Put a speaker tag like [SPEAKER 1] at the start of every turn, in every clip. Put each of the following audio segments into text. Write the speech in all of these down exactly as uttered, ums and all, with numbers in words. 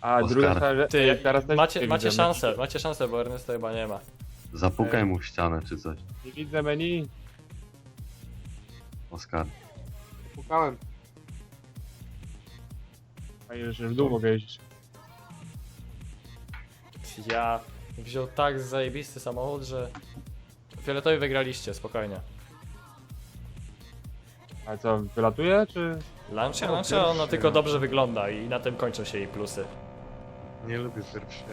[SPEAKER 1] A
[SPEAKER 2] Oskar.
[SPEAKER 1] druga sprawa, że
[SPEAKER 3] Ty,
[SPEAKER 1] jak teraz też
[SPEAKER 3] macie,
[SPEAKER 1] nie
[SPEAKER 3] macie
[SPEAKER 1] widzę
[SPEAKER 3] szansę,
[SPEAKER 1] menu.
[SPEAKER 3] macie szansę, bo Ernesta chyba nie ma.
[SPEAKER 2] Zapukaj mu w ścianę czy coś.
[SPEAKER 1] Nie widzę menu.
[SPEAKER 2] Oskar.
[SPEAKER 1] Pukałem. A jeszcze w dół mogę jeździć.
[SPEAKER 3] Ja wziął tak zajebisty samochód, że... Fioletowi wygraliście, spokojnie.
[SPEAKER 1] A co, wylatuje czy?
[SPEAKER 3] Lancia,
[SPEAKER 1] O,
[SPEAKER 3] Lancia, ona
[SPEAKER 1] pierwszy.
[SPEAKER 3] tylko dobrze wygląda i na tym kończą się jej plusy.
[SPEAKER 4] Nie lubię pierwszego.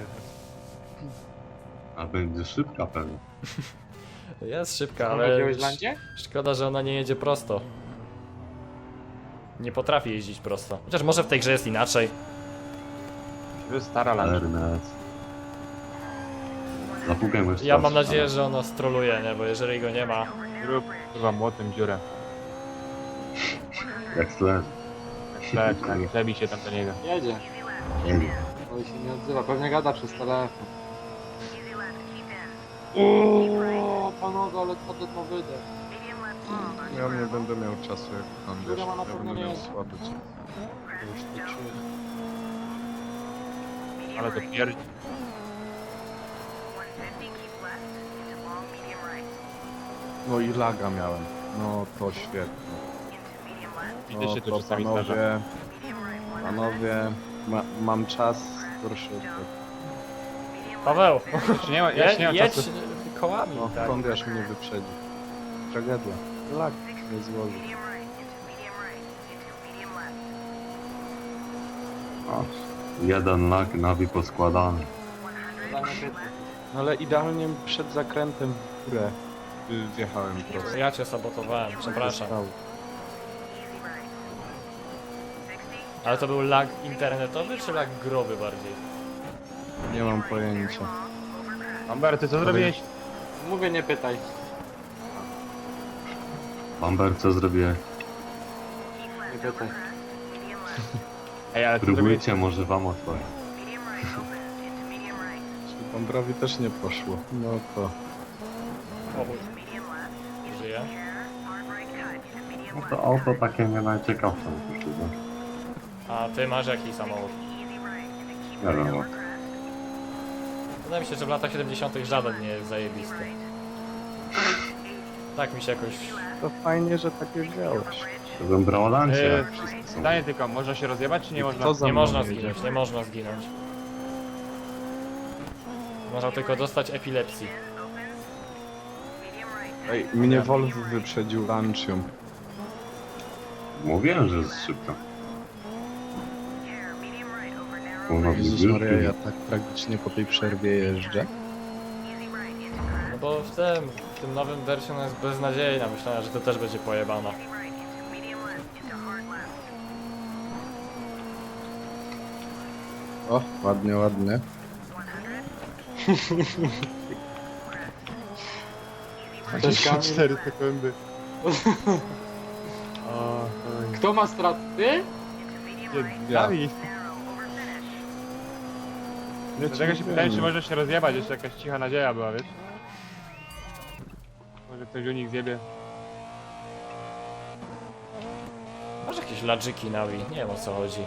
[SPEAKER 2] A będzie szybka pewnie.
[SPEAKER 3] Jest szybka,
[SPEAKER 1] Ale
[SPEAKER 3] ale
[SPEAKER 1] wziąłeś landzie?
[SPEAKER 3] szkoda, że ona nie jedzie prosto. Nie potrafi jeździć prosto. Chociaż może w tej grze jest inaczej.
[SPEAKER 1] To jest stara landzie.
[SPEAKER 2] Ernest. Zapukaj mu jeszcze
[SPEAKER 3] Ja
[SPEAKER 2] raz
[SPEAKER 3] mam
[SPEAKER 2] w
[SPEAKER 3] nadzieję,
[SPEAKER 2] ścianę.
[SPEAKER 3] że ona stroluje, nie? Bo jeżeli go nie ma...
[SPEAKER 1] Rób chyba młotem dziurę.
[SPEAKER 2] Jak sleż.
[SPEAKER 1] Tak, tak, zabij się tam do niego.
[SPEAKER 5] Jedzie,
[SPEAKER 2] Jedzie.
[SPEAKER 5] ale się nie odzywa, pewnie gada przez telefon. Uuuu, panowie, ale co to ma wydech?
[SPEAKER 4] Ja nie będę miał czasu jak tam wiesz,
[SPEAKER 5] Druga ma na
[SPEAKER 4] ja
[SPEAKER 5] pewno
[SPEAKER 4] będę
[SPEAKER 5] nie
[SPEAKER 4] miał
[SPEAKER 5] jest.
[SPEAKER 4] słaby czas.
[SPEAKER 5] Już to czuję.
[SPEAKER 1] Ale to pierdzi.
[SPEAKER 4] No i laga miałem. No to świetnie.
[SPEAKER 1] Widzę
[SPEAKER 4] No
[SPEAKER 1] się tu
[SPEAKER 4] to
[SPEAKER 1] czasami zdarza.
[SPEAKER 4] panowie, panowie, ma, mam czas, proszę.
[SPEAKER 3] Paweł!
[SPEAKER 1] Czy nie ma, ja
[SPEAKER 3] Je,
[SPEAKER 1] się nie mam
[SPEAKER 3] jedź
[SPEAKER 1] czasu.
[SPEAKER 3] kołami,
[SPEAKER 4] No,
[SPEAKER 3] tak.
[SPEAKER 4] Kondiasz mnie wyprzedzi. Tragedia. Lag nie złoży.
[SPEAKER 2] O, jeden lak, nawi poskładany.
[SPEAKER 5] Dla mnie pyta.
[SPEAKER 4] No ale idealnie przed zakrętem w górę y, wjechałem prosto.
[SPEAKER 3] Ja cię sabotowałem, przepraszam.
[SPEAKER 4] Stał.
[SPEAKER 3] Ale to był lag internetowy czy lag growy bardziej?
[SPEAKER 4] Nie mam pojęcia.
[SPEAKER 1] Amber, ty co zrobiłeś?
[SPEAKER 5] Mówię, nie pytaj.
[SPEAKER 2] Bamber, co zrobiłeś?
[SPEAKER 5] Nie pytaj.
[SPEAKER 1] Ej, ale co zrobiłeś?
[SPEAKER 2] Próbujcie, może wam otworzy.
[SPEAKER 4] Czy Bambrowi też nie poszło. No to...
[SPEAKER 3] O chuj. Żyje?
[SPEAKER 2] No to auto takie nie najciekawsze. myślę,
[SPEAKER 3] A ty masz jaki samochód?
[SPEAKER 2] że- Nie wiem.
[SPEAKER 3] Wydaje mi się, że w latach siedemdziesiątych żaden nie jest zajebisty. Tak mi się jakoś...
[SPEAKER 4] To fajnie, że takie wziąłeś.
[SPEAKER 2] To bym brał lancie.
[SPEAKER 1] Eee, Zdanie tylko, można się rozjebać czy nie można?
[SPEAKER 4] Co za
[SPEAKER 3] Nie
[SPEAKER 4] mną
[SPEAKER 3] można
[SPEAKER 4] jedzie?
[SPEAKER 3] zginąć, nie można zginąć. Można tylko dostać epilepsji.
[SPEAKER 4] Ej, mnie Wolf wyprzedził Lancium.
[SPEAKER 2] Mówiłem, że jest szybka. Ona
[SPEAKER 4] Jezus Maria, ja tak tragicznie po tej przerwie jeżdżę.
[SPEAKER 3] No bo w tym, w tym nowym wersji ona jest beznadziejna. Myślałem, że to też będzie pojebana.
[SPEAKER 4] O, ładnie, ładnie.
[SPEAKER 5] Cześć, Kamil.
[SPEAKER 4] cztery sekundy.
[SPEAKER 1] O,
[SPEAKER 5] Kto ma straty? Ty?
[SPEAKER 4] Ja.
[SPEAKER 1] Dawid. Dlatego się pytałem, czy może się rozjebać, jeszcze jakaś cicha nadzieja była, wiesz? Może ktoś u nich zjebie.
[SPEAKER 3] Masz jakieś ladżyki na Wii, nie wiem o co chodzi.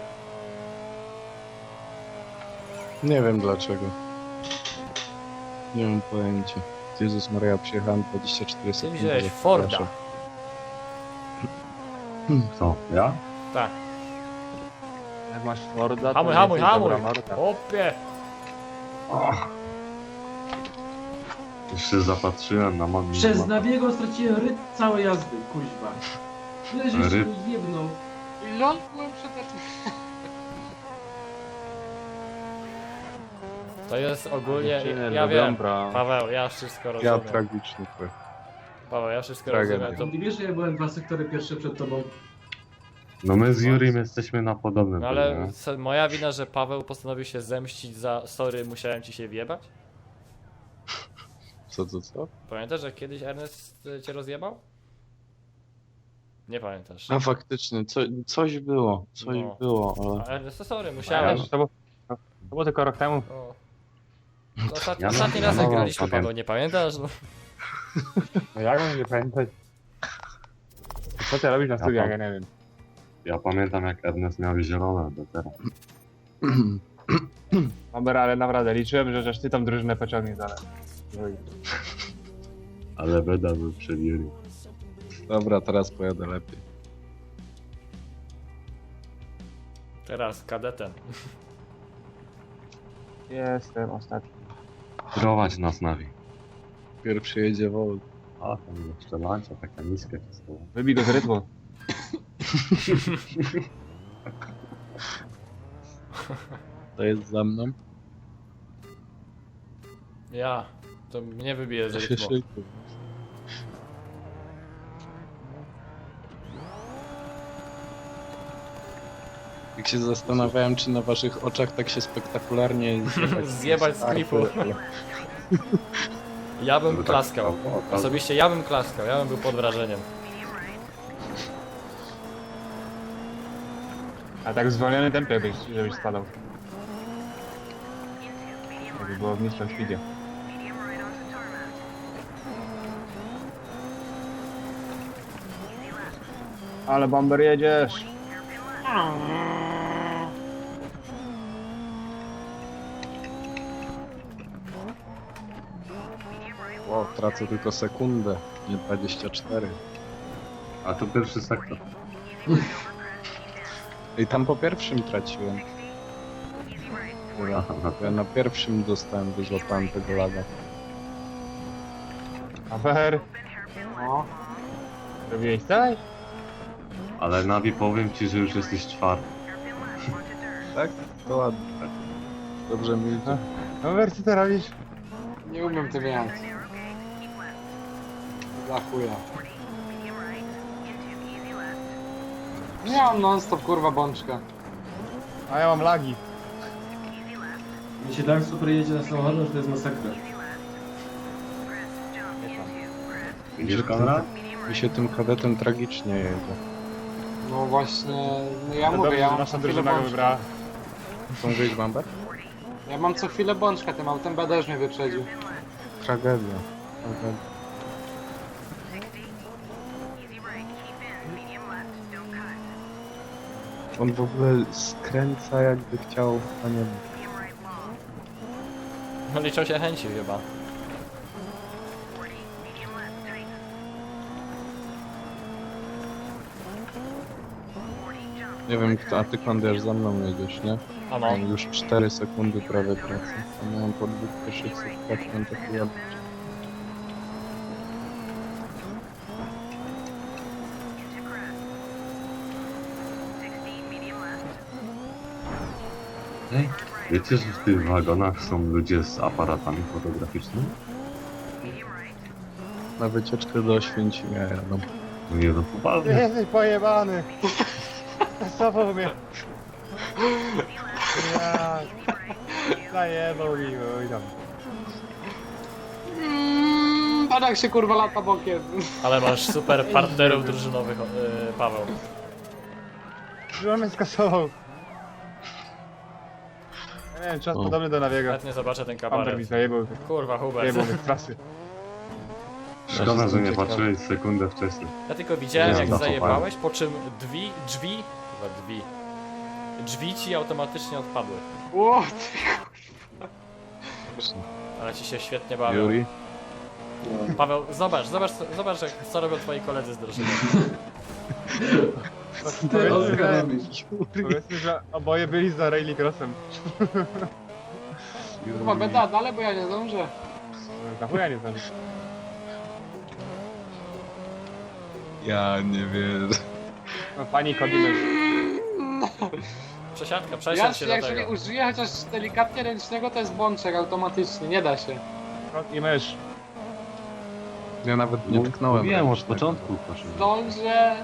[SPEAKER 4] Nie wiem dlaczego. Nie mam pojęcia. Jezus Maria, przyjechałem dwadzieścia cztery
[SPEAKER 3] Ty
[SPEAKER 4] sekundy.
[SPEAKER 3] wziąłeś
[SPEAKER 4] za
[SPEAKER 3] Forda.
[SPEAKER 4] przepraszam.
[SPEAKER 2] Co? Ja?
[SPEAKER 3] Tak.
[SPEAKER 1] Jak masz Forda, to
[SPEAKER 3] Hamuj,
[SPEAKER 1] nie
[SPEAKER 3] hamuj,
[SPEAKER 1] jesteś
[SPEAKER 3] hamuj!
[SPEAKER 1] dobra marka.
[SPEAKER 3] Opie!
[SPEAKER 2] Och. Już się zapatrzyłem na magii.
[SPEAKER 6] Przez Nawiego straciłem rytm całej jazdy, kuźwa. Tyle, że się
[SPEAKER 2] Ryb?
[SPEAKER 6] mi jebnął.
[SPEAKER 5] I ląd byłem przed...
[SPEAKER 3] To jest ogólnie...
[SPEAKER 1] Dziewczyny
[SPEAKER 3] Ja
[SPEAKER 1] lubią
[SPEAKER 3] wiem,
[SPEAKER 1] bra.
[SPEAKER 3] Paweł, ja wszystko
[SPEAKER 4] Ja
[SPEAKER 3] rozumiem.
[SPEAKER 4] tragiczny trochę.
[SPEAKER 3] Paweł, ja wszystko
[SPEAKER 4] Tragedia.
[SPEAKER 3] rozumiem. To...
[SPEAKER 6] Nie wiesz, że ja byłem dwa sektory pierwsze przed tobą.
[SPEAKER 2] No my z Jurim jesteśmy na podobnym
[SPEAKER 3] No ale
[SPEAKER 2] poziomie.
[SPEAKER 3] co, moja wina, że Paweł postanowił się zemścić za sorry, musiałem ci się wjebać?
[SPEAKER 4] Co, co, co?
[SPEAKER 3] Pamiętasz, że kiedyś Ernest y, cię rozjebał? Nie pamiętasz.
[SPEAKER 4] A faktycznie, co, coś było, coś
[SPEAKER 3] No.
[SPEAKER 4] było, ale...
[SPEAKER 3] A Ernest, to sorry,
[SPEAKER 1] Ja,
[SPEAKER 3] musiałem.
[SPEAKER 1] to, było, to było tylko rok temu.
[SPEAKER 3] O. To ostat...
[SPEAKER 2] Ja
[SPEAKER 3] Ostatni
[SPEAKER 2] no-
[SPEAKER 3] raz
[SPEAKER 2] ja
[SPEAKER 3] jak
[SPEAKER 2] no-
[SPEAKER 3] graliśmy,
[SPEAKER 2] pamiętam.
[SPEAKER 3] Paweł, nie pamiętasz? No.
[SPEAKER 1] No jak mam nie pamiętać? Co ty robisz na studiach, ja nie wiem.
[SPEAKER 2] Ja pamiętam jak Ernest miał zielone do teraz.
[SPEAKER 1] Dobra, ale naprawdę liczyłem, że żeś ty tam drużynę pociągnie dalej.
[SPEAKER 2] Ale beda był przed Juri.
[SPEAKER 4] Dobra, teraz pojadę lepiej.
[SPEAKER 3] Teraz kadetem.
[SPEAKER 1] Jestem ostatni.
[SPEAKER 2] Prowadź nas, Navi.
[SPEAKER 4] Pierwszy jedzie Volt.
[SPEAKER 2] A, tam jeszcze lancia taka niska wszystko.
[SPEAKER 1] Wybij go z rytmu.
[SPEAKER 4] To jest za mną.
[SPEAKER 3] Ja. To mnie wybije z
[SPEAKER 4] To się
[SPEAKER 3] rytmu.
[SPEAKER 4] szykuj. Jak się zastanawiałem, czy na waszych oczach tak się spektakularnie zjebać,
[SPEAKER 3] Zjebać z klifu.
[SPEAKER 4] ale-
[SPEAKER 3] Ja bym
[SPEAKER 2] tak
[SPEAKER 3] klaskał.
[SPEAKER 2] o, o, tak.
[SPEAKER 3] Osobiście ja bym klaskał, ja bym był pod wrażeniem.
[SPEAKER 1] A tak w zwolnionym tempie, żebyś, żebyś spadał. Jakby było w niższym speedzie. Ale bomber jedziesz!
[SPEAKER 4] Wow, tracę tylko sekundę, nie dwadzieścia cztery.
[SPEAKER 2] A to pierwszy sektor.
[SPEAKER 4] I tam po pierwszym traciłem.
[SPEAKER 2] Aha, no to
[SPEAKER 4] Ja na pierwszym dostałem, wyzłapałem tego laga.
[SPEAKER 1] Afer!
[SPEAKER 5] No.
[SPEAKER 1] Robiłeś coś?
[SPEAKER 2] Ale Navi, powiem ci, że już jesteś czwarty.
[SPEAKER 4] Tak? To ładnie. Dobrze mi idzie.
[SPEAKER 1] Afer, co ty robisz?
[SPEAKER 5] Nie umiem tym jechać. Dla chuja. Nie mam non-stop kurwa bączka.
[SPEAKER 1] A ja mam lagi.
[SPEAKER 6] Mi się tak super jedzie na samochodzie, że to jest masakra.
[SPEAKER 2] Widzisz, Konrad?
[SPEAKER 4] Mi się tym kadetem tragicznie jedzie.
[SPEAKER 5] No właśnie, no ja
[SPEAKER 1] To
[SPEAKER 5] mówię,
[SPEAKER 1] dobrze,
[SPEAKER 5] ja
[SPEAKER 1] że
[SPEAKER 5] mam
[SPEAKER 1] nasza
[SPEAKER 5] co chwilę
[SPEAKER 1] drużyna go
[SPEAKER 5] bączka.
[SPEAKER 1] wybrała.
[SPEAKER 4] Są wyjść bamber?
[SPEAKER 5] Ja mam co chwilę bączka, tym autem B też mnie wyprzedził.
[SPEAKER 4] Tragedia. Tragedia. On w ogóle skręca jakby chciał, a nie wiem.
[SPEAKER 3] No liczą się chęci chyba.
[SPEAKER 4] Nie wiem kto, a ty Kondiasz za mną jedziesz, nie?
[SPEAKER 3] Ano.
[SPEAKER 4] Mam już cztery sekundy prawie pracy. A miałem po dwóch pierwszych sekundach taki ładny.
[SPEAKER 2] Ej, wiecie, że w tych wagonach są ludzie z aparatami fotograficznymi?
[SPEAKER 4] Na wycieczkę do Oświęcimia jadą.
[SPEAKER 2] No nie, no poważnie.
[SPEAKER 1] Jesteś pojebany! Zasował mnie! Ja... Zajebał mi, oj tam.
[SPEAKER 5] Mm, patrz jak się kurwa lata bokiem.
[SPEAKER 3] Ale masz super partnerów drużynowych, yy, Paweł.
[SPEAKER 1] Że mnie skasował. Ja nie wiem, czas
[SPEAKER 4] O.
[SPEAKER 1] podobny do Nawiego.
[SPEAKER 3] Chętnie zobaczę ten
[SPEAKER 1] Amber mi
[SPEAKER 3] kabaret.
[SPEAKER 1] zajebał,
[SPEAKER 3] Kurwa, Hubert.
[SPEAKER 1] zajebał mnie z trasy.
[SPEAKER 2] Szkoda, że nie
[SPEAKER 4] Ciekawe.
[SPEAKER 2] patrzyłeś sekundę wcześniej.
[SPEAKER 3] Ja tylko widziałem
[SPEAKER 2] Nie,
[SPEAKER 3] jak
[SPEAKER 2] no,
[SPEAKER 3] zajebałeś, po czym drzwi, drzwi, chyba drzwi, drzwi ci automatycznie odpadły.
[SPEAKER 5] Ło,
[SPEAKER 3] Ale ci się świetnie bawią.
[SPEAKER 4] Juri?
[SPEAKER 3] Paweł, zobacz, zobacz, zobacz jak, co robią twoi koledzy z drużyny.
[SPEAKER 6] Ty, Oskar, robisz.
[SPEAKER 1] Powiedzmy, że oboje byli za rallycrossem.
[SPEAKER 5] kurwa beda, dalej bo ja nie zdążę.
[SPEAKER 1] Na chuja nie znam.
[SPEAKER 4] Ja nie wiem.
[SPEAKER 1] No, pani Kodimesz.
[SPEAKER 3] Przesiadka,
[SPEAKER 5] Ja,
[SPEAKER 3] przesiadł się do
[SPEAKER 5] jak się nie
[SPEAKER 3] tego.
[SPEAKER 5] użyję chociaż delikatnie ręcznego, to jest bączek automatycznie, nie da się.
[SPEAKER 1] I mysz.
[SPEAKER 4] Ja nawet nie tknąłem.
[SPEAKER 2] Wiem, od
[SPEAKER 4] ręcznego.
[SPEAKER 2] początku, proszę.
[SPEAKER 5] Zdążę.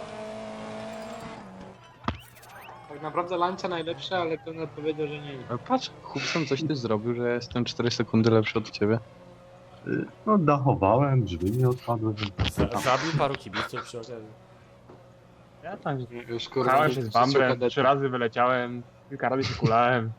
[SPEAKER 5] Tak naprawdę lancia najlepsze, ale ten odpowiedział, że nie.
[SPEAKER 4] Ale patrz, Hubson, coś ty zrobił, że ja jestem cztery sekundy lepszy od ciebie.
[SPEAKER 2] Y, No dachowałem, drzwi nie odpadły.
[SPEAKER 3] Za- Zabił paru kibiców przy okazji.
[SPEAKER 1] Ja tam
[SPEAKER 5] Już kurwa.
[SPEAKER 1] Pchałem się z bambrem,
[SPEAKER 5] kadety.
[SPEAKER 1] trzy razy wyleciałem, kilka razy się kulałem.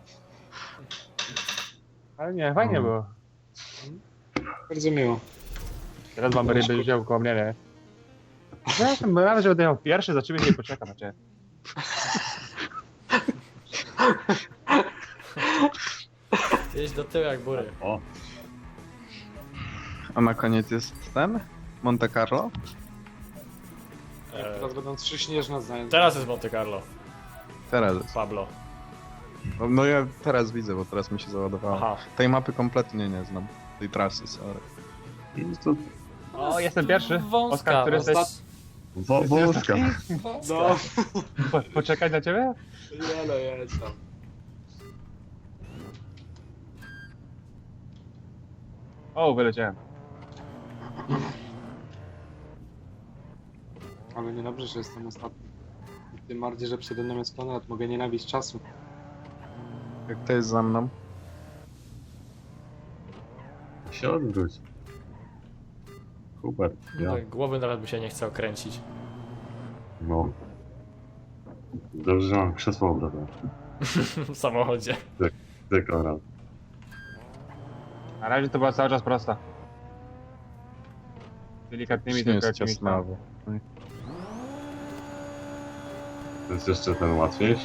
[SPEAKER 1] Ale nie, fajnie
[SPEAKER 2] No.
[SPEAKER 1] było.
[SPEAKER 5] Bardzo miło.
[SPEAKER 1] Teraz bamber będzie wziął koło mnie, nie? Zresztą, bo nawet, że będę miał pierwszy, za ciebie nie poczekam, znaczy.
[SPEAKER 3] Jedź do tyłu jak bury.
[SPEAKER 2] O,
[SPEAKER 4] A na koniec jest ten? Monte Carlo?
[SPEAKER 3] E,
[SPEAKER 5] Teraz będą trzy śnieżne zajęcia.
[SPEAKER 3] teraz jest Monte Carlo,
[SPEAKER 4] Teraz jest.
[SPEAKER 3] Pablo.
[SPEAKER 4] No, no ja teraz widzę, bo teraz mi się załadowało.
[SPEAKER 3] Aha.
[SPEAKER 4] Tej mapy kompletnie nie znam. Tej trasy, sorry.
[SPEAKER 2] i to
[SPEAKER 1] O, jestem pierwszy.
[SPEAKER 3] Wąska,
[SPEAKER 1] Oskar, który jesteś?
[SPEAKER 5] Ostat...
[SPEAKER 2] wo- wózka.
[SPEAKER 5] No,
[SPEAKER 1] Po, poczekać na ciebie?
[SPEAKER 5] nie no, jedź tam.
[SPEAKER 1] O, wyleciałem.
[SPEAKER 5] Ale niedobrze, że jestem ostatni. Tym bardziej, że przede mną jest Konrad, mogę nienawiść czasu.
[SPEAKER 4] Jak to jest za mną?
[SPEAKER 2] Się odwróć. Hubert, ja.
[SPEAKER 3] Tak, głowy nawet mi się nie chce okręcić.
[SPEAKER 2] No. Dobrze, że mam krzesło obrotowe.
[SPEAKER 3] W samochodzie.
[SPEAKER 2] Ty, Konrad.
[SPEAKER 1] Na razie to była cały czas prosta. Delikatnymi
[SPEAKER 4] Nie
[SPEAKER 1] tylko
[SPEAKER 4] jest
[SPEAKER 1] jakimiś tam.
[SPEAKER 4] ciasnawo.
[SPEAKER 2] To jest jeszcze ten łatwiejszy.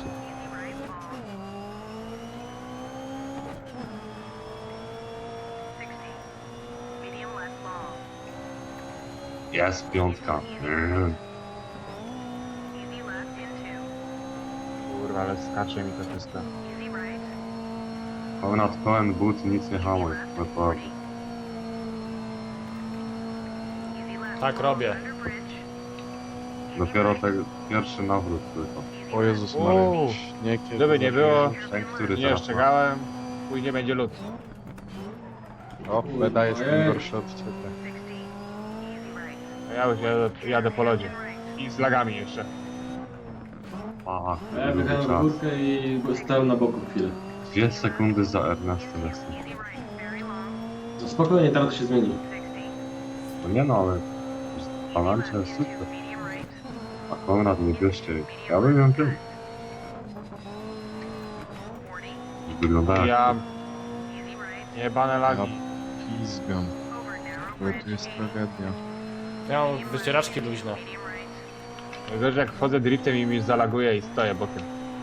[SPEAKER 2] Jest piątka. Mm.
[SPEAKER 1] Kurwa, ale skacze mi to wszystko.
[SPEAKER 2] Konrad pełen but, nic nie hamuj. Naprawdę.
[SPEAKER 3] Tak robię.
[SPEAKER 2] Dopiero ten pierwszy nawrót tylko.
[SPEAKER 4] O Jezus
[SPEAKER 1] Uuu.
[SPEAKER 4] Maria. Śnieg jest
[SPEAKER 1] Żeby nie było,
[SPEAKER 2] Ten, który
[SPEAKER 1] nie
[SPEAKER 2] teraz ma.
[SPEAKER 1] ostrzegałem, później będzie lód.
[SPEAKER 4] O, Beda jest
[SPEAKER 6] Ojej.
[SPEAKER 4] gorszy od ciebie.
[SPEAKER 1] A ja już jadę, jadę po lodzie. I z lagami jeszcze.
[SPEAKER 2] A,
[SPEAKER 6] Ja
[SPEAKER 2] długi
[SPEAKER 6] wjechałem w
[SPEAKER 2] czas.
[SPEAKER 6] górkę i stałem na boku chwilę.
[SPEAKER 2] Dwie sekundy za Ernestem jestem.
[SPEAKER 6] No spokojnie, teraz to się zmieni.
[SPEAKER 2] No nie no, ale Palancia jest super. A Konrad nie bierzcie. Ja bym ją wziął. Wygląda jak...
[SPEAKER 1] Ja... Jebane lagi.
[SPEAKER 4] Pizgam. Ale tu jest tragedia.
[SPEAKER 3] Ja mam wycieraczki luźne.
[SPEAKER 1] Wiesz, jak wchodzę driftem i mi zalaguje i stoję bokiem.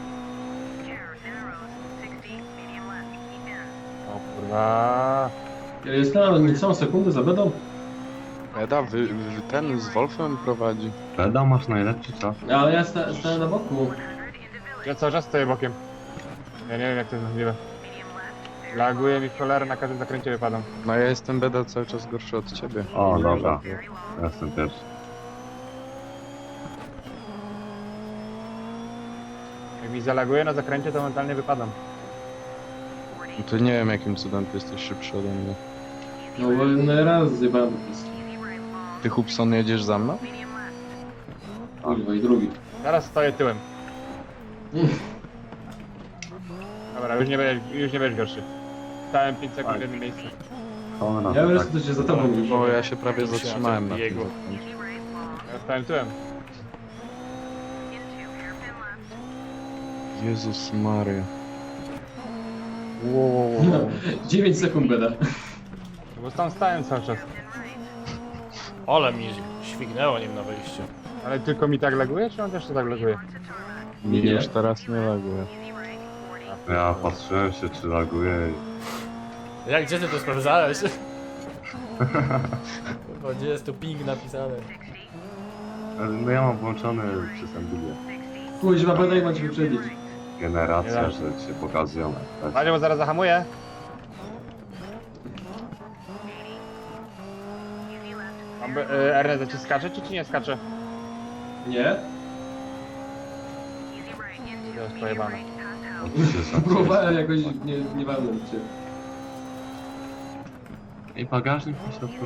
[SPEAKER 1] O kurwa.
[SPEAKER 6] Ja jestem, ale nie są sekundy za bedą.
[SPEAKER 4] Beda, wy, wy ten z Wolfem prowadzi.
[SPEAKER 2] Beda, masz najlepszy czas.
[SPEAKER 6] Ale ja sta, stałem na boku.
[SPEAKER 1] Ja cały czas stoję bokiem. Ja nie wiem jak to jest możliwe. Laguje mi w cholerę, na każdym zakręcie wypadam.
[SPEAKER 4] No ja jestem Beda cały czas gorszy od ciebie.
[SPEAKER 2] O, dobra. Ja jestem pierwszy.
[SPEAKER 1] Jak mi zalaguje na zakręcie, to mentalnie wypadam.
[SPEAKER 4] No to nie wiem jakim cudem ty jesteś szybszy ode mnie.
[SPEAKER 6] No bo jeden raz zjebałem po prostu.
[SPEAKER 4] Ty Hubson jedziesz za mną?
[SPEAKER 6] Kurwa i drugi.
[SPEAKER 1] Teraz stoję tyłem. Dobra, już nie będziesz, już nie będziesz gorszy. Stałem pięć sekund w jednym miejscu.
[SPEAKER 2] Konrad,
[SPEAKER 6] Ja
[SPEAKER 2] tak.
[SPEAKER 6] wreszcie to się za tobą już.
[SPEAKER 4] Bo ja się prawie
[SPEAKER 3] Myślałem,
[SPEAKER 4] zatrzymałem
[SPEAKER 3] że
[SPEAKER 4] na tym
[SPEAKER 3] biegu.
[SPEAKER 4] zakręcie.
[SPEAKER 1] Ja stałem tyłem.
[SPEAKER 4] Jezus Maria.
[SPEAKER 6] No, dziewięć sekund beda.
[SPEAKER 1] No bo tam stałem cały czas.
[SPEAKER 3] Ole mi śwignęło nim na wyjściu.
[SPEAKER 1] Ale tylko mi tak laguje, czy on też to tak laguje?
[SPEAKER 4] Mi
[SPEAKER 6] Nie.
[SPEAKER 4] już teraz nie laguje.
[SPEAKER 2] Ja patrzyłem się, czy laguje i...
[SPEAKER 3] Jak gdzie ty to sprawdzałeś? Bo gdzie jest tu ping napisane?
[SPEAKER 2] No ja mam włączony przez Nvidia.
[SPEAKER 6] Kuźwa, beda i ma cię wyprzedzić.
[SPEAKER 2] Generacja,
[SPEAKER 1] Nie
[SPEAKER 2] że się pokazują. Tak.
[SPEAKER 1] Panie, bo zaraz zahamuję. Mam, y, Ernest, ci skacze, czy ci nie skacze?
[SPEAKER 6] Nie?
[SPEAKER 1] To jest pojebane.
[SPEAKER 2] Od się zaczęło.
[SPEAKER 6] Próbowałem jakoś, nie, nie walnąć cię.
[SPEAKER 2] I bagażnik po środku.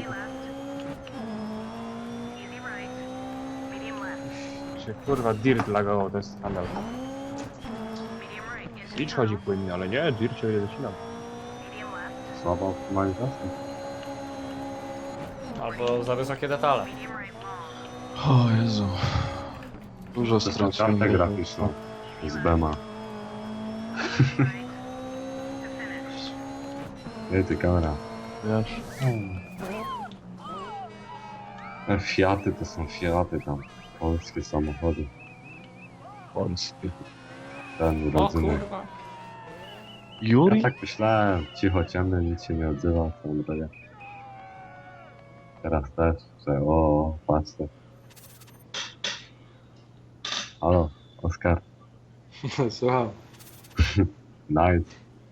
[SPEAKER 1] Czy kurwa dirt lagował, to jest skandal. Switch chodzi płynnie, ale nie, dirt się nie zacinał.
[SPEAKER 2] Słaba optymalizacja.
[SPEAKER 3] Albo za wysokie detale.
[SPEAKER 4] O Jezu. Dużo
[SPEAKER 2] To są
[SPEAKER 4] straciłem.
[SPEAKER 2] kartę graficzną z Bema. Nie, ty kamera.
[SPEAKER 4] Wiesz?
[SPEAKER 2] Te Fiaty to są Fiaty tam. Polskie samochody.
[SPEAKER 4] Polski.
[SPEAKER 2] Ten
[SPEAKER 3] O
[SPEAKER 2] rodzynek.
[SPEAKER 3] kurwa.
[SPEAKER 4] Juri?
[SPEAKER 2] Ja tak myślałem, cicho, ciemny, nic się nie odzywa, co on daje. Teraz też, że o, patrzcie. Halo, Oskar,
[SPEAKER 5] Słucham.
[SPEAKER 2] nice.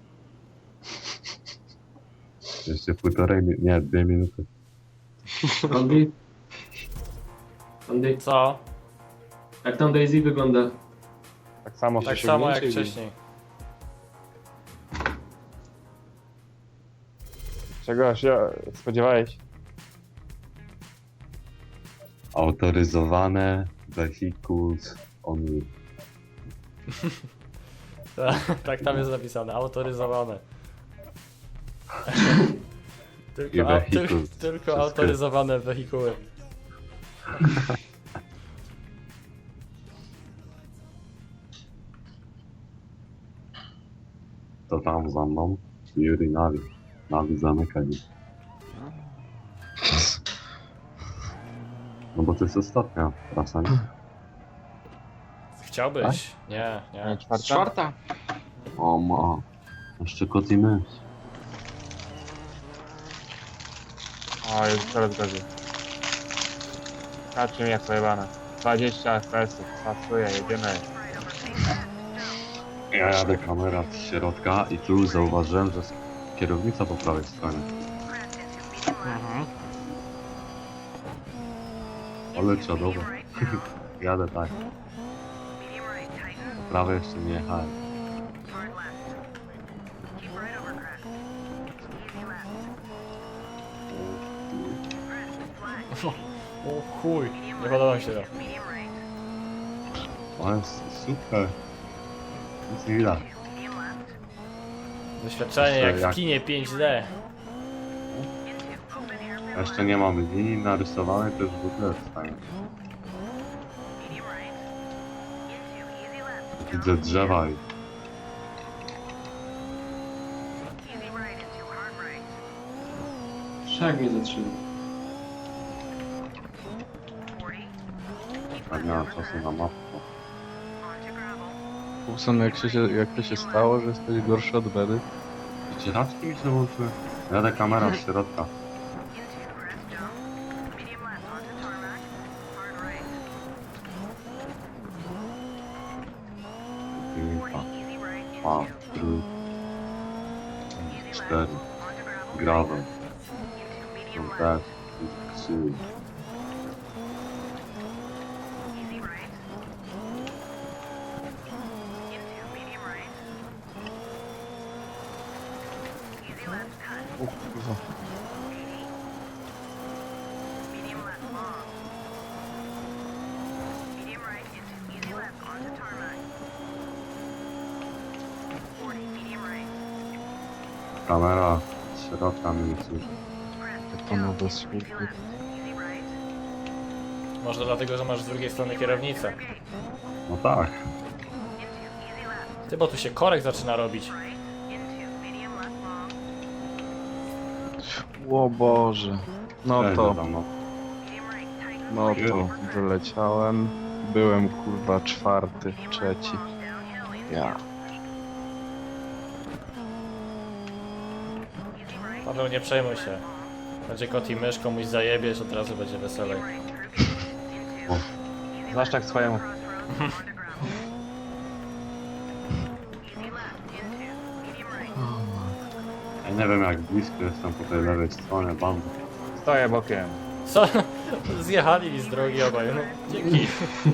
[SPEAKER 2] Jeszcze półtorej, mi- nie, dwie minuty.
[SPEAKER 6] Andy? Andy,
[SPEAKER 3] Co?
[SPEAKER 6] jak tam Daisy wygląda?
[SPEAKER 1] Tak samo.
[SPEAKER 3] Tak
[SPEAKER 5] się
[SPEAKER 3] samo jak
[SPEAKER 5] mniejszy
[SPEAKER 3] wcześniej.
[SPEAKER 1] Czego się spodziewałeś?
[SPEAKER 2] Autoryzowane vehicles only.
[SPEAKER 3] Tak tam jest napisane, autoryzowane.
[SPEAKER 2] I
[SPEAKER 3] tylko, au, tyl,
[SPEAKER 2] vehicles.
[SPEAKER 3] tylko
[SPEAKER 2] Wszystko.
[SPEAKER 3] autoryzowane wehikuły.
[SPEAKER 2] To tam za mną, Yuri Navi. Navi zamykaj. No bo to jest ostatnia trasa, nie?
[SPEAKER 3] Chciałbyś? Nie,
[SPEAKER 1] Nie,
[SPEAKER 3] nie.
[SPEAKER 1] czwarta?
[SPEAKER 5] Czwarta.
[SPEAKER 2] O ma. Jeszcze kot i mysz.
[SPEAKER 1] O, jest coraz gorzej. Patrzcie mi jak pojebane. dwadzieścia F P S-ów, pasuje, jedziemy.
[SPEAKER 2] Ja jadę kamera z środka i tu zauważyłem, że jest kierownica po prawej stronie.
[SPEAKER 3] Mhm.
[SPEAKER 2] Ale czadowo. Jadę tak. Prawie jeszcze nie jechałem.
[SPEAKER 3] O chuj, nie podoba mi się to.
[SPEAKER 2] O, jest super. Nic nie widać.
[SPEAKER 3] Doświadczenie jak w
[SPEAKER 2] Jak-
[SPEAKER 3] kinie pięć D.
[SPEAKER 2] Jeszcze nie mamy linii narysowanej, to już w ogóle jest fajnie. Widzę drzewa i
[SPEAKER 6] Szak mnie zatrzymał.
[SPEAKER 2] tak nie mam czasu na mapę.
[SPEAKER 4] Kupson, jak, się, jak to się stało, że jesteś gorszy od Bedy?
[SPEAKER 2] Wycieraczki mi się włączyły. Jadę kamera z środka. Piękna. Dwa, trzy, cztery. Gravel. Są też. Trzy.
[SPEAKER 4] O kurwa.
[SPEAKER 2] Kamera z środka mnie nie słyszy.
[SPEAKER 4] Jak to nowe słupy.
[SPEAKER 3] Może dlatego, że masz z drugiej strony kierownicę.
[SPEAKER 2] No tak.
[SPEAKER 3] Ty, bo tu się korek zaczyna robić.
[SPEAKER 4] O Boże. No
[SPEAKER 2] Cześć,
[SPEAKER 4] to,
[SPEAKER 2] tam, no.
[SPEAKER 4] no to wyleciałem. Byłem kurwa czwarty, trzeci. Ja.
[SPEAKER 3] Paweł, nie przejmuj się. Będzie kot i mysz, komuś zajebiesz, od razu będzie weselej.
[SPEAKER 1] Znasz tak swojemu.
[SPEAKER 2] Ja nie wiem jak blisko jestem po tej lewej stronie bandy.
[SPEAKER 1] Stoję bokiem.
[SPEAKER 3] Co? Zjechali mi z drogi obaj, no. Dzięki.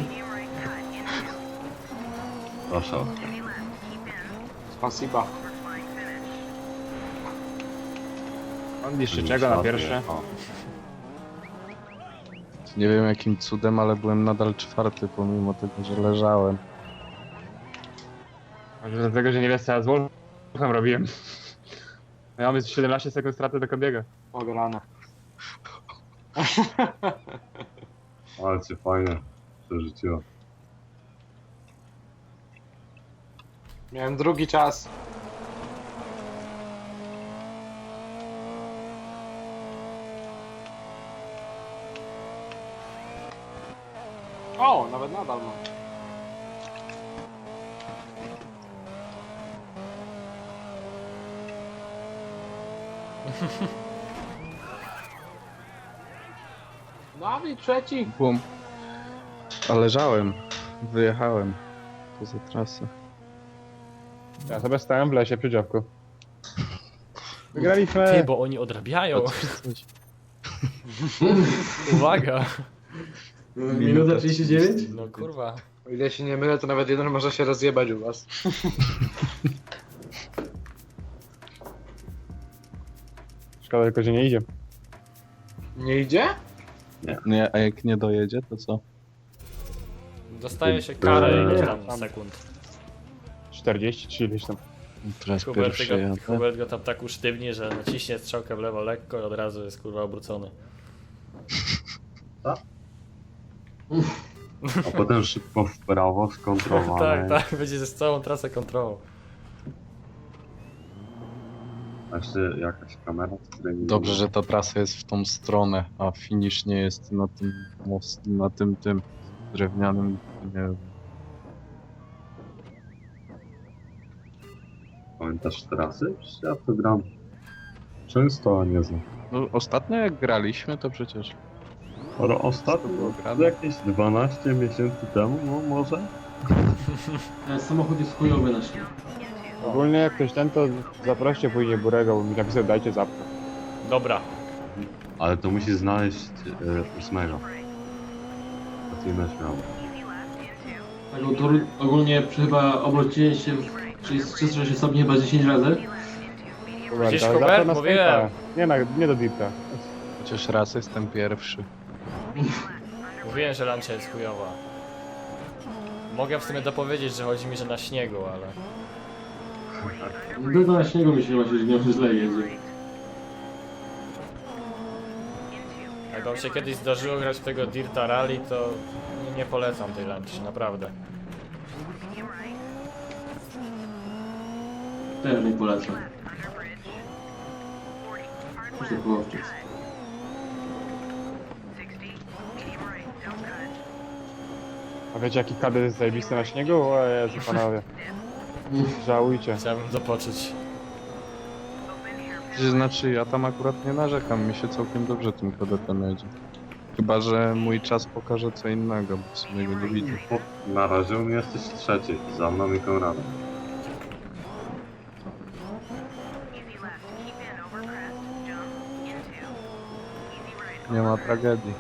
[SPEAKER 2] Proszę Oskar.
[SPEAKER 5] Spasiba.
[SPEAKER 1] On niszczy czego na pierwsze?
[SPEAKER 2] O,
[SPEAKER 4] Nie wiem jakim cudem, ale byłem nadal czwarty, pomimo tego, że leżałem.
[SPEAKER 1] Może dlatego, że nie wiesz co ja z Wolfem robiłem. Ja mamy siedemnaście sekund straty do Kobiego.
[SPEAKER 5] Ograne.
[SPEAKER 2] ale cię fajnie przerzuciło.
[SPEAKER 5] Miałem drugi czas. O, nawet nadal mam. Dawid, trzeci!
[SPEAKER 4] Bum. A leżałem. Wyjechałem poza trasę.
[SPEAKER 1] Ja sobie stałem w lesie przy działku. Wygraliśmy!
[SPEAKER 3] Ty, bo oni odrabiają.
[SPEAKER 4] Coś.
[SPEAKER 3] Uwaga.
[SPEAKER 6] Minuta trzydzieści dziewięć?
[SPEAKER 3] No kurwa.
[SPEAKER 5] O ile się nie mylę, to nawet jeden może się rozjebać u was.
[SPEAKER 1] Szkoda tylko, że nie idzie.
[SPEAKER 5] Nie idzie?
[SPEAKER 4] Nie, a jak nie dojedzie, to co?
[SPEAKER 3] Dostaje się karę
[SPEAKER 2] Eee.
[SPEAKER 3] ileś tam sekund.
[SPEAKER 1] czterdzieści czy ileś tam.
[SPEAKER 4] Teraz
[SPEAKER 3] Hubert,
[SPEAKER 4] pierwszy
[SPEAKER 3] go,
[SPEAKER 4] jadę.
[SPEAKER 3] Hubert go tam tak usztywni, że naciśnie strzałkę w lewo lekko i od razu jest kurwa obrócony.
[SPEAKER 2] A potem szybko w prawo,
[SPEAKER 3] tak,
[SPEAKER 2] skontrolowane.
[SPEAKER 3] tak, będzie ze całą trasę kontrolą.
[SPEAKER 2] A jeszcze jakaś kamera, z której nie
[SPEAKER 4] Dobrze,
[SPEAKER 2] widzę.
[SPEAKER 4] że ta trasa jest w tą stronę, a finish nie jest na tym most, na tym tym drewnianym, nie wiem.
[SPEAKER 2] Pamiętasz trasy? Przecież ja to gram często, a nie znam.
[SPEAKER 4] No, ostatnio jak graliśmy, to przecież
[SPEAKER 2] Ale
[SPEAKER 4] to było
[SPEAKER 2] ostatnio,
[SPEAKER 4] grane.
[SPEAKER 2] jakieś dwanaście miesięcy temu, no może?
[SPEAKER 6] Ten samochód jest chujowy na śnieg.
[SPEAKER 1] Ogólnie jak ktoś ten, to zaproście później Burego, bo mi napisał dajcie zapkę.
[SPEAKER 3] Dobra.
[SPEAKER 2] Ale to musi znaleźć e, ósmego. To ty inne śmiało.
[SPEAKER 6] Tak, to ogólnie chyba obróciłem się w trzysta sześćdziesiąt stopni chyba dziesięć razy.
[SPEAKER 3] Widzisz,
[SPEAKER 1] ale
[SPEAKER 3] Hubert?
[SPEAKER 1] zawsze na
[SPEAKER 3] Mówiłem.
[SPEAKER 1] Skype'a. Nie, na, nie do Dirta.
[SPEAKER 4] Chociaż raz jestem pierwszy.
[SPEAKER 3] Mówiłem, że lancia jest chujowa. Mogę w sumie dopowiedzieć, że chodzi mi, że na śniegu, ale...
[SPEAKER 6] No to na śniegu mi się właśnie że źle jedzie.
[SPEAKER 3] Jak wam się kiedyś zdarzyło grać w tego Dirta Rally, to nie, nie polecam tej lancz, naprawdę.
[SPEAKER 6] Teraz mi polecam. Już to było wcześniej.
[SPEAKER 1] A wiecie jaki kadet jest zajebisty na śniegu? O Jezu, panowie. Żałujcie.
[SPEAKER 3] Chciałbym to poczuć.
[SPEAKER 4] To znaczy, ja tam akurat nie narzekam, mi się całkiem dobrze tym kadetem jedzie. Chyba, że mój czas pokaże co innego, bo w sumie go nie widzę.
[SPEAKER 2] Na razie u mnie jesteś trzeci, za mną i Konradem.
[SPEAKER 4] Nie ma tragedii.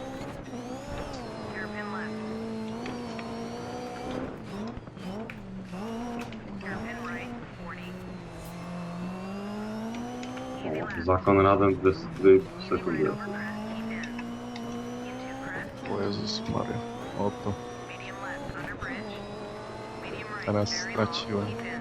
[SPEAKER 2] O, za Konradem dwadzieścia dwie sekundy.
[SPEAKER 4] O Jezus Maria. Oto. Teraz straciłem.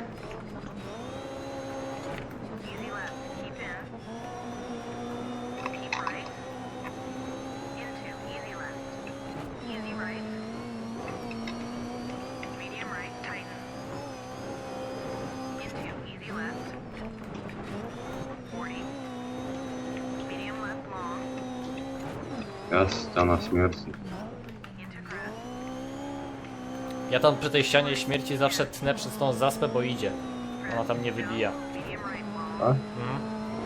[SPEAKER 2] Jest ściana śmierci.
[SPEAKER 3] Ja tam przy tej ścianie śmierci zawsze tnę przez tą zaspę, bo idzie. Ona tam nie wybija.
[SPEAKER 2] Tak?
[SPEAKER 3] Mhm.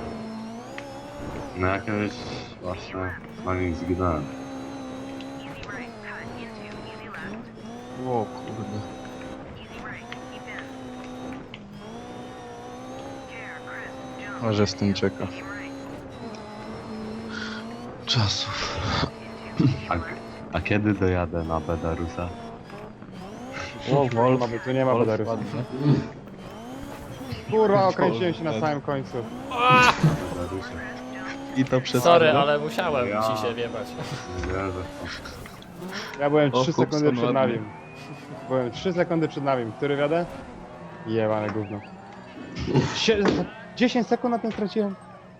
[SPEAKER 2] No jakieś właśnie na nim zginąłem.
[SPEAKER 4] O kurde. Może z tym czeka. Czasów.
[SPEAKER 2] A, a kiedy dojadę na Bedarusa?
[SPEAKER 1] O, wolno, bo tu nie ma Bedarusa.
[SPEAKER 4] ładnie.
[SPEAKER 1] Kurwa, okręciłem się na samym końcu.
[SPEAKER 2] Bedarusie.
[SPEAKER 4] I to przez
[SPEAKER 3] Sorry,
[SPEAKER 4] Arno?
[SPEAKER 3] ale musiałem
[SPEAKER 2] Ja.
[SPEAKER 3] ci się wiebać.
[SPEAKER 2] Nie wierzę w to.
[SPEAKER 1] Ja byłem
[SPEAKER 4] O,
[SPEAKER 1] trzy
[SPEAKER 4] Hubson
[SPEAKER 1] sekundy przed
[SPEAKER 4] ładnie.
[SPEAKER 1] Navim. Byłem trzy sekundy przed Navim. Który wiadę? Jebane gówno. Sie- dziesięć sekund na tym straciłem.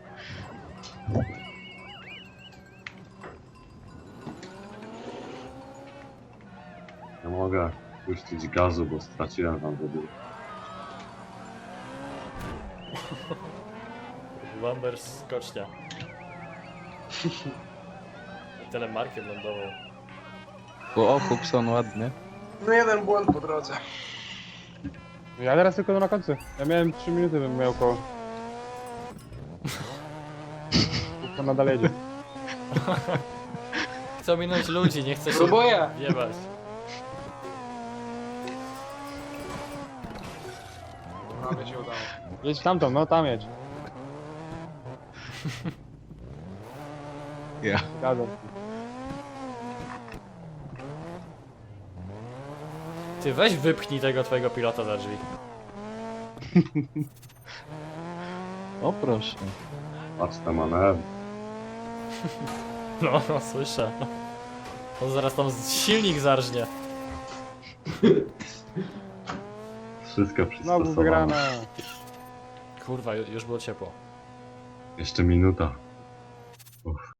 [SPEAKER 2] Nie mogę puścić gazu, bo straciłem tam wody.
[SPEAKER 3] Wanders skocznia. Telemarkiem lądował.
[SPEAKER 4] O, Hubson ładnie.
[SPEAKER 5] No jeden błąd po drodze.
[SPEAKER 1] Ja teraz tylko na końcu. Ja miałem trzy minuty, bym miał koło. To nadal jedzie.
[SPEAKER 3] Chcę minąć ludzi, nie chcę się
[SPEAKER 5] Próbuję!
[SPEAKER 3] jebać.
[SPEAKER 5] Prawie się udało.
[SPEAKER 1] Jedź tamtą, no tam jedź.
[SPEAKER 4] Ja.
[SPEAKER 1] Zgadzam.
[SPEAKER 3] Ty weź wypchnij tego twojego pilota za drzwi.
[SPEAKER 4] O proszę.
[SPEAKER 2] Patrz te manewry.
[SPEAKER 3] No, no słyszę. On zaraz tam z- silnik zarżnie.
[SPEAKER 2] Wszystko
[SPEAKER 1] Znowu
[SPEAKER 2] przystosowane.
[SPEAKER 1] wygrana.
[SPEAKER 3] Kurwa, ju- już było ciepło.
[SPEAKER 2] Jeszcze minuta. Uff.